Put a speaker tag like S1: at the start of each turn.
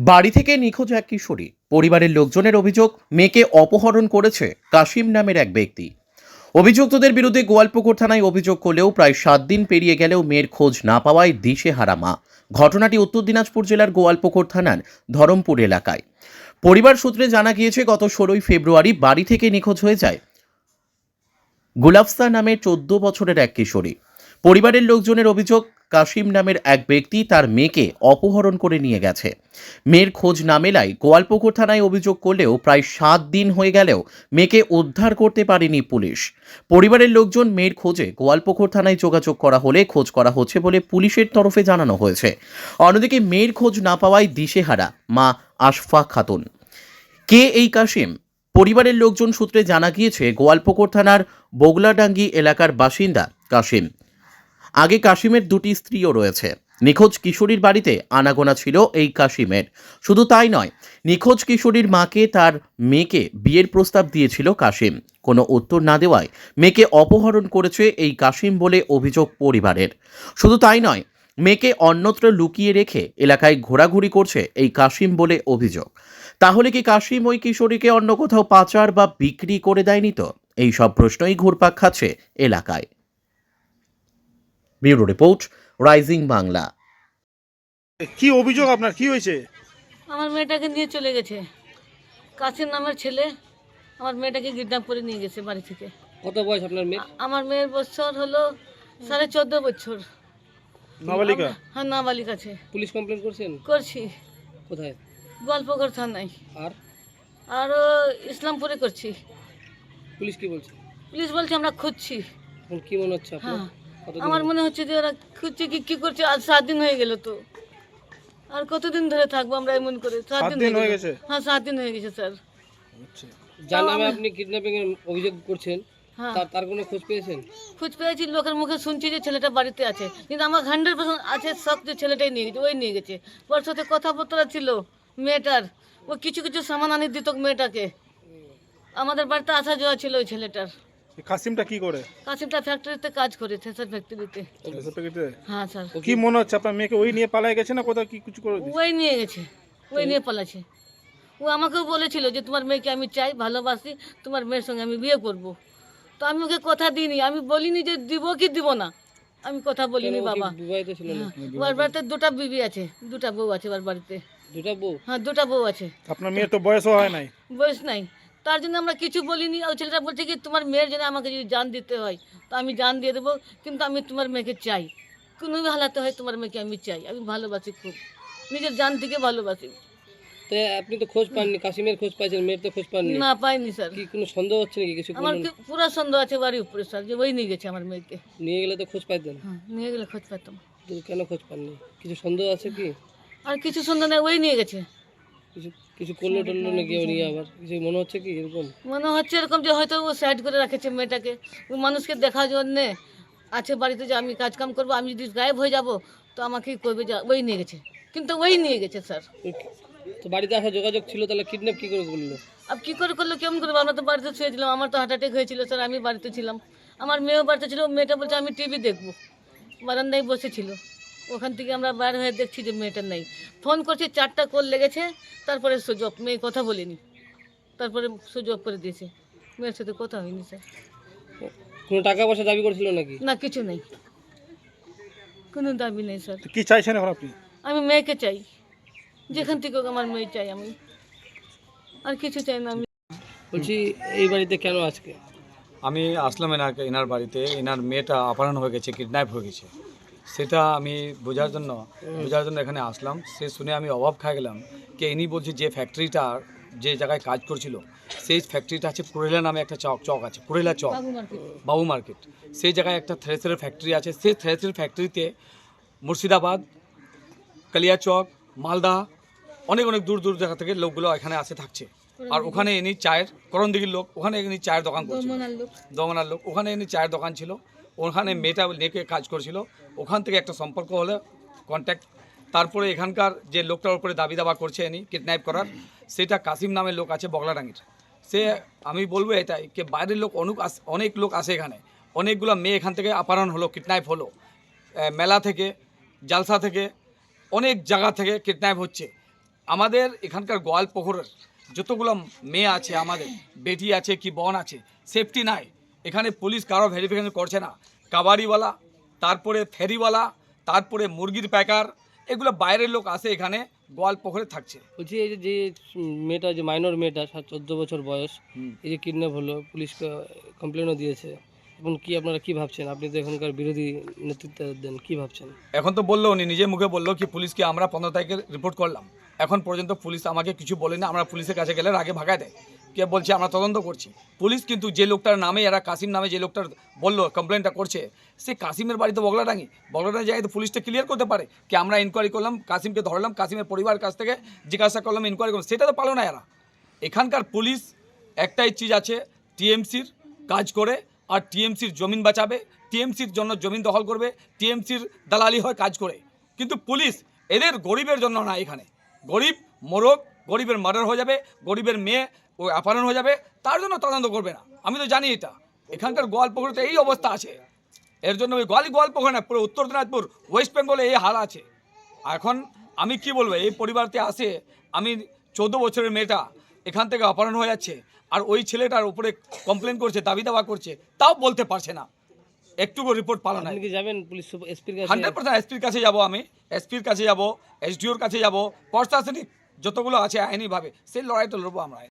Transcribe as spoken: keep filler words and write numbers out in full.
S1: বাড়ি থেকে নিখোঁজ এক কিশোরী। পরিবারের লোকজনের অভিযোগ, মেয়েকে অপহরণ করেছে কাশিম নামের এক ব্যক্তি। অভিযুক্তদের বিরুদ্ধে গোয়ালপুকুর থানায় অভিযোগ করলেও প্রায় সাত দিন পেরিয়ে গেলেও মেয়ের খোঁজ না পাওয়ায় দিশেহারা মা। ঘটনাটি উত্তর দিনাজপুর জেলার গোয়ালপুকুর থানার ধরমপুর এলাকায়। পরিবার সূত্রে জানা গিয়েছে, গত ষোলোই ফেব্রুয়ারি বাড়ি থেকে নিখোঁজ হয়ে যায় গুলাফসা নামের চোদ্দ বছরের এক কিশোরী। পরিবারের লোকজনের অভিযোগ, কাশিম নামের এক ব্যক্তি তার মেয়েকে অপহরণ করে নিয়ে গেছে। মেয়ের খোঁজ না মেলায় গোয়ালপুকুর থানায় অভিযোগ করলেও প্রায় সাত দিন হয়ে গেলেও মেয়েকে উদ্ধার করতে পারেনি পুলিশ। পরিবারের লোকজন মেয়ের খোঁজে গোয়ালপুকুর থানায় যোগাযোগ করা হলে খোঁজ করা হচ্ছে বলে পুলিশের তরফে জানানো হয়েছে। অন্যদিকে মেয়ের খোঁজ না পাওয়ায় দিশেহারা মা আশফা খাতুন। কে এই কাশিম? পরিবারের লোকজন সূত্রে জানা গিয়েছে, গোয়ালপুকুর থানার বগলাডাঙ্গি এলাকার বাসিন্দা কাশিম। আগে কাশিমের দুটি স্ত্রীও রয়েছে। নিখোঁজ কিশোরীর বাড়িতে আনাগোনা ছিল এই কাশিমের। শুধু তাই নয়, নিখোঁজ কিশোরীর মাকে তার মেয়েকে বিয়ের প্রস্তাব দিয়েছিল কাশিম। কোনো উত্তর না দেওয়ায় মেয়েকে অপহরণ করেছে এই কাশিম বলে অভিযোগ পরিবারের। শুধু তাই নয়, মেয়েকে অন্যত্র লুকিয়ে রেখে এলাকায় ঘোরাঘুরি করছে এই কাশিম বলে অভিযোগ। তাহলে কি কাশিম ওই কিশোরীকে অন্য কোথাও পাচার বা বিক্রি করে দেয়নি? তো এই সব প্রশ্নই ঘুরপাক খাচ্ছে এলাকায়। Bureau report, Rising Bangla.
S2: কি অভিযোগ আপনার, কি হয়েছে?
S3: আমার মেয়েটাকে নিয়ে চলে গেছে কাসিম নামের ছেলে। আমার মেয়েটাকে কিডন্যাপ করে নিয়ে গেছে বাড়ি থেকে।
S4: কত বয়স আপনার মেয়ে?
S3: আ- আমার মেয়ের বছর হলো সাড়ে চোদ্দ বছর।
S2: নাবালিকা?
S3: হ্যাঁ, নাবালিক আছে।
S4: পুলিশ কমপ্লেন করছেন?
S3: করছি
S4: কোথায়?
S3: গোয়ালপুকুর থানায়।
S4: আর
S3: আরও ইসলামপুরে করছি।
S4: পুলিশ কি বলছে?
S3: পুলিশ বলছে আমরা খুঁজছি।
S4: এখন কি মনে হচ্ছে আপনার?
S3: হ্যাঁ,
S4: কতদিন
S3: আমার
S4: হলো?
S3: মনে হচ্ছে যে ওরা খুঁজছে কি কি করছে। আজ সাত দিন হয়ে গেল। তো আর কতদিন ধরে থাকবো আমরা এমন করে?
S2: সাত দিন হয়ে গেছে?
S3: হ্যাঁ, সাত দিন হয়ে গেছে স্যার।
S2: আচ্ছা,
S4: যার
S3: তাও
S4: নামে
S3: আমি-
S4: আপনি কিডন্যাপিং এর অভিযোগ করছেন,
S3: হ্যাঁ,
S4: তার তার কোনো খোঁজ পেয়েছেন?
S3: খোঁজ পেয়েছি, লোকের মুখে শুনছি যে ছেলেটা বাড়িতে আছে, কিন্তু আমার হান্ড্রেড পার্সেন্ট আছে সব যে ছেলেটাই নিয়ে গেছে, ওই নিয়ে গেছে। ওর সাথে কথাবার্তা ছিল মেয়েটার, ও কিছু কিছু সামান আনি দিত মেয়েটাকে। আমাদের বাড়িতে আসা যাওয়া ছিল ওই ছেলেটার।
S2: এই কাসিমটা কি করে?
S3: কাশিমটা ফ্যাক্টরিতে কাজ করে, থেসার ফ্যাক্টরিতে।
S2: এসব প্যাকেটে?
S3: হ্যাঁ স্যার,
S2: কি মনে হচ্ছে আপনার মেয়েকে ওই নিয়ে পালায় গেছে না কোথাও কি কিছু করে দিয়েছে?
S3: ওই নিয়ে গেছে, ওই নিয়ে পালাছে। ও আমাকেও বলেছিল যে তোমার মেয়েকে আমি চাই, ভালোবাসি, তোমার মেয়ের সঙ্গে আমি বিয়ে করব। তো আমি ওকে কথা দিইনি, আমি বলিনি যে দিব কি দিব না, আমি কথা বলিনি
S4: কেন, ও কি
S3: বাবা।
S4: বিবাহিত ছিল না?
S3: হ্যাঁ, ওর বাড়িতে দুটা বিবি আছে, দুটা বউ আছে ওর বাড়িতে।
S4: দুটা বউ?
S3: হ্যাঁ, দুটা বউ আছে,
S2: আপনার মেয়ের তো বয়সও হয় নাই।
S3: বয়স নাই। তার জন্য আমরা কিছু বলিনি। আর ছেলেটা বলছে কি তোমার মেয়ের জন্য আমাকে যদি জান দিতে হয় তো আমি জান দিয়ে দেবো, কিন্তু আমি তোমার মেয়েকে চাই, কোনো হালাতে হয় তোমার মেয়েকে আমি চাই, আমি ভালোবাসি খুব, নিজের জান থেকে ভালোবাসি।
S4: তো আপনি তো খোঁজ পাননি, কাশিমের খোঁজ পাইছেন, মেয়ের তো খোঁজ পাননি।
S3: না, পাইনি স্যার।
S4: কি কোনো সন্দেহ হচ্ছে নাকি কিছু?
S3: আমার
S4: বলুন।
S3: কি পুরো সন্দেহ আছে বাড়ির উপরে স্যার, যে ওই নিয়ে গেছে আমার মেয়েকে।
S4: নিয়ে গেলে তো খোঁজ পাইতেন,
S3: হ্যাঁ, নিয়ে গেলে খোঁজ পেতাম।
S4: তো কেন খোঁজ পাননি? কিছু সন্দেহ আছে কি?
S3: আর কিছু সন্দেহ নেই, ওই নিয়ে গেছে।
S4: কিছু কিছু করলো টললো নাকি ও নিয়ে? আবার কিছু মনে হচ্ছে কি এরকম?
S3: মনে হচ্ছে এরকম যে হয়তো ও সাইড করে রাখেছে মেয়েটাকে, ও মানুষকে দেখার জন্যে আছে বাড়িতে, যে আমি কাজ কাম করবো, আমি যদি গায়েব হয়ে যাব তো আমাকেই করবে, যা ওই নিয়ে গেছে। কিন্তু ওই নিয়ে গেছে স্যার।
S4: তো বাড়িতে আসা যোগাযোগ ছিল, তাহলে কিডন্যাপ কি করে করলো?
S3: আব কী করে করলো, কেমন করবো? আমরা তো বাড়িতে শুয়েছিলাম, আমার তো হার্ট অ্যাটাক হয়েছিল স্যার, আমি বাড়িতে ছিলাম, আমার মেয়েও বাড়িতে ছিল। মেয়েটা বলছে আমি টিভি দেখবো, বারান্দায় বসেছিল। ওখান থেকে আমরা বাইরে হয়ে দেখছি যে মেয়েটা নেই। ফোন করছি, চারটা কল লেগেছে, তারপরে সুযোগ, মেয়ে কথা বলিনি, তারপরে সুযোগ করে দিয়েছে। মেয়ের সাথে কথা হয়নি স্যার।
S4: কোনো টাকা পয়সা দাবি করেছিল নাকি?
S3: না, কিছু নেই, কোনো দাবি নেই স্যার।
S2: তো কি চাইছেন এখন আপনি?
S3: আমি মেয়েকে চাই, যেখান থেকে হোক আমার মেয়ে চাই, আমি আর কিছু চাই না। আমি
S4: বলছি এই বাড়িতে কেন আজকে?
S5: আমি আসলাম এনাকে এনার বাড়িতে। এনার মেয়েটা অপহরণ হয়ে গেছে, কিডন্যাপ হয়ে গেছে, সেটা আমি বোঝার জন্য বোঝার জন্য এখানে আসলাম। সে শুনে আমি অবাক খেয়ে গেলাম যে ইনি বলছে যে ফ্যাক্টরিটার যে জায়গায় কাজ করছিল সেই ফ্যাক্টরিটা আছে পুরেলা নামে একটা চক চক আছে, পুরেলা চক,
S3: বাবু মার্কেট।
S5: বাবু মার্কেট। সেই জায়গায় একটা থ্রেসারের ফ্যাক্টরি আছে। সেই থ্রেসারের ফ্যাক্টরিতে মুর্শিদাবাদ, কালিয়াচক, মালদা, অনেক অনেক দূর দূর জায়গা থেকে লোকগুলো এখানে আসে থাকছে। আর ওখানে ইনি চায়ের, করণদিঘির লোক, ওখানে ইনি চায়ের দোকান করছিল, দমনার লোক, ওখানে ইনি চায়ের দোকান ছিল। ওখানে মেয়েটা নেকে কাজ করছিল। ওখান থেকে একটা সম্পর্ক হলে কন্ট্যাক্ট, তারপরে এখানকার যে লোকটার উপরে দাবি দাবা করছে ইনি কিডন্যাপ করার, সেটা কাসিম নামের লোক আছে বগলাডাঙ্গির। সে আমি বলবো এটাই যে বাইরের লোক অনেক অনেক লোক আসে এখানে, অনেকগুলো মেয়ে এখান থেকে অপহরণ হলো, কিডন্যাপ হলো, মেলা থেকে, জালসা থেকে, অনেক জায়গা থেকে কিডন্যাপ হচ্ছে। আমাদের এখানকার গোয়ালপুকুরের যতগুলো মেয়ে আছে, আমাদের বেটি আছে কি বোন আছে, সেফটি নাই। এখানে পুলিশ কারো ভেরিফিকেশন করছে না। কাবাডিওয়ালা, তারপরে ফেরিওয়ালা, তারপরে মুরগির প্যাকার, এগুলো বাইরের লোক আসে এখানে গোয়ালপুকুরে থাকছে।
S4: বলছি এই যে যে মেয়েটা, যে মাইনর মেয়েটা, সাত চোদ্দ বছর বয়স,
S5: হুম।
S4: এই যে কিডন্যাপ হলো, পুলিশকে কমপ্লেনও দিয়েছে, এখন কি আপনারা কি ভাবছেন? আপনি তো এখানকার বিরোধী নেতৃত্ব দেন, কি ভাবছেন?
S5: এখন তো বললো, উনি নিজে মুখে বললো কি পুলিশকে আমরা পনেরো তারিখে রিপোর্ট করলাম, এখন পর্যন্ত পুলিশ আমাকে কিছু বলেনি। আমরা পুলিশের কাছে গেলে আগে ভাগায় দেয়, কে বলছে আমরা তদন্ত করছি। পুলিশ কিন্তু যে লোকটার নামে, এরা কাসিম নামে যে লোকটার বললো কমপ্লেনটা করছে, সে কাসিমের বাড়িতে বগলাডাঙ্গি, বগলাডাঙ্গি জায়গায় তো পুলিশটা ক্লিয়ার করতে পারে কি আমরা ইনকোয়ারি করলাম, কাসিমকে ধরলাম, কাসিমের পরিবার কাছ থেকে জিজ্ঞাসা করলাম, ইনকোয়ারি করলাম, সেটা তো পারলো না এরা। এখানকার পুলিশ একটাই চিজ আছে, টিএমসির কাজ করে আর টিএমসির জমিন বাঁচাবে, টিএমসির জন্য জমিন দখল করবে, টিএমসির দালালি হয় কাজ করে। কিন্তু পুলিশ এদের গরিবের জন্য না, এখানে গরিব মোরগ, গরিবের মার্ডার হয়ে যাবে, গরিবের মেয়ে ও অপহরণ হয়ে যাবে, তার জন্য তদন্ত করবে না। আমি তো জানি এটা, এখানকার গোয়ালপুকুরে এই অবস্থা আছে। এর জন্য ওই গোয়ালি গোয়ালপুকুর না, পুরো উত্তর দিনাজপুর, ওয়েস্ট বেঙ্গলে এই হাল আছে। এখন আমি কি বলবো, এই পরিবারতে আসে, আমি চৌদ্দ বছরের মেয়েটা এখান থেকে অপহরণ হয়ে যাচ্ছে, আর ওই ছেলেটার উপরে কমপ্লেন করছে, দাবি দাওয়া করছে, তাও বলতে পারছে না, একটুকু রিপোর্ট পালো না।
S4: আপনি কি যাবেন পুলিশ এসপির কাছে?
S5: হান্ড্রেড পার্সেন্ট এসপির কাছে যাবো, আমি এসপির কাছে যাবো, এসডিওর কাছে যাবো, প্রশাসনিক যতগুলো আছে আইনিভাবে সেই লড়াইটা লড়বো আমরা।